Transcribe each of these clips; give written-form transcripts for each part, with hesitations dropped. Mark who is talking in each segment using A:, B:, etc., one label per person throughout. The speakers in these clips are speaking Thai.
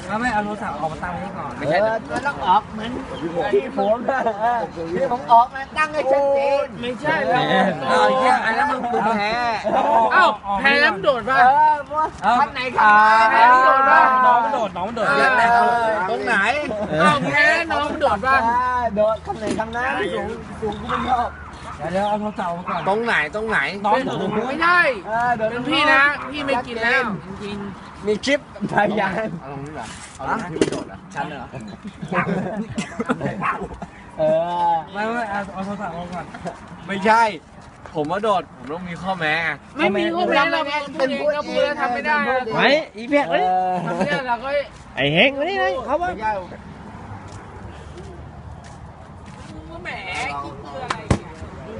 A: ไม่เอาโทรศัพท์ออกมาตั้งนี้ก่อน
B: ไม่ใช่มันต้องออกเหมือนที่ผมที่ผมออกมาตั้งให้ชัดเจน
C: ไม่ใช่แล้ว
B: เอาเยี่ยอันนั้นมึงแพ้
C: เอ้าแพ้แล้วมันโดดป่ะ
B: ท่านไหนครับ
C: แพ้แล้วโดดป่ะ
A: น้องมันโดดน้องมันโดด
B: ตรงไหน
C: เอ้าแพ้น้องมันโดดป่ะ
B: โดดคำไหนคำนั้นสูงกูไม่ชอบ
A: เดี๋ยวเอาโทรศัพท์มาก่อน
B: ตรงไหนตรงไหน
A: น้อง
C: ไม่ได้เป็นพี่นะพี่ไม่กินแล้วจริง
B: มีคลิปพยานเอาตรงนี้เหรอเอาตรงที่มันโดดเหรอชั้นเหรอ
A: ไม่เอาโทรศัพท์มาก่อน
B: ไม่ใช่ ผมว่าโดดผมต้องมีข้อแม้
C: ๆไม่มีข้อแม้เราเป็นพูดเองก็พูดแล้วทำไม่ได้
D: ไว้อีเพียกเลย
C: ทำไม่ได้เราก็
D: ไอ้เฮงมานี่เลยเขาว่า
B: ไม่ใช่
C: แหมคิดเพื่ออะไรเนี่ย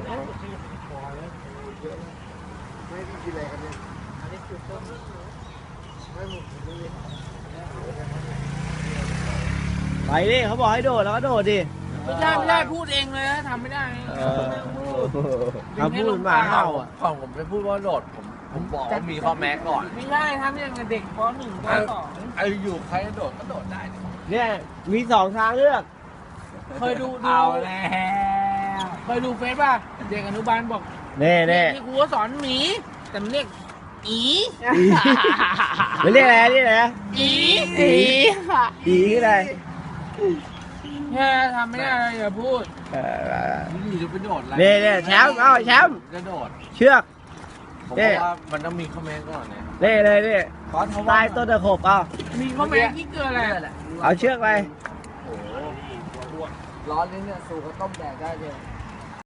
D: ไปดิเขาบอกให้โดดแล้วก็โดดดิ
C: ไม่ได้พูดเองเลยนะทำไม่ได้
D: เขาพูดหมาเห่าอ่ะ
B: ของผมไปพูดว่าโดดผมบอกว่ามีข้อแม้ก่อน
C: ไม่ได้ทำอย่างกับเด็กป .1 ป .2
B: ไอ้อยู่ใครจะโดดก็โดดได้
D: เนี่ยมีสองทางเลือก
C: เคยดู
B: เอาแล้ว
C: เคยดูเฟซป่ะเด็กอนุบาลบอก
D: เน่เน่
C: ที่ครูก็สอนหมีแต่มันเรียกอี
D: มันเรียกอะไรเรียกอะไรนะ
C: อี
D: อีคืออะไร
C: แค่ทำไม่ได้เลยอย่าพูด
B: อยู่จะไปโดดอะไร
D: เน่เน่แชมป์เอาแชมป์
B: จะโดด
D: เชือก
B: ผมบอกว่ามันต้องมีข้อแม้ก่อนนะ
D: เน่เลยนี่ใต้ต้นตะขบเอา
C: มีข้อแม้ที่เกินอะไร
D: เอาเชือกไป
B: ร้อนนี้เนี่ยสูก็ต้มแดดได้เลย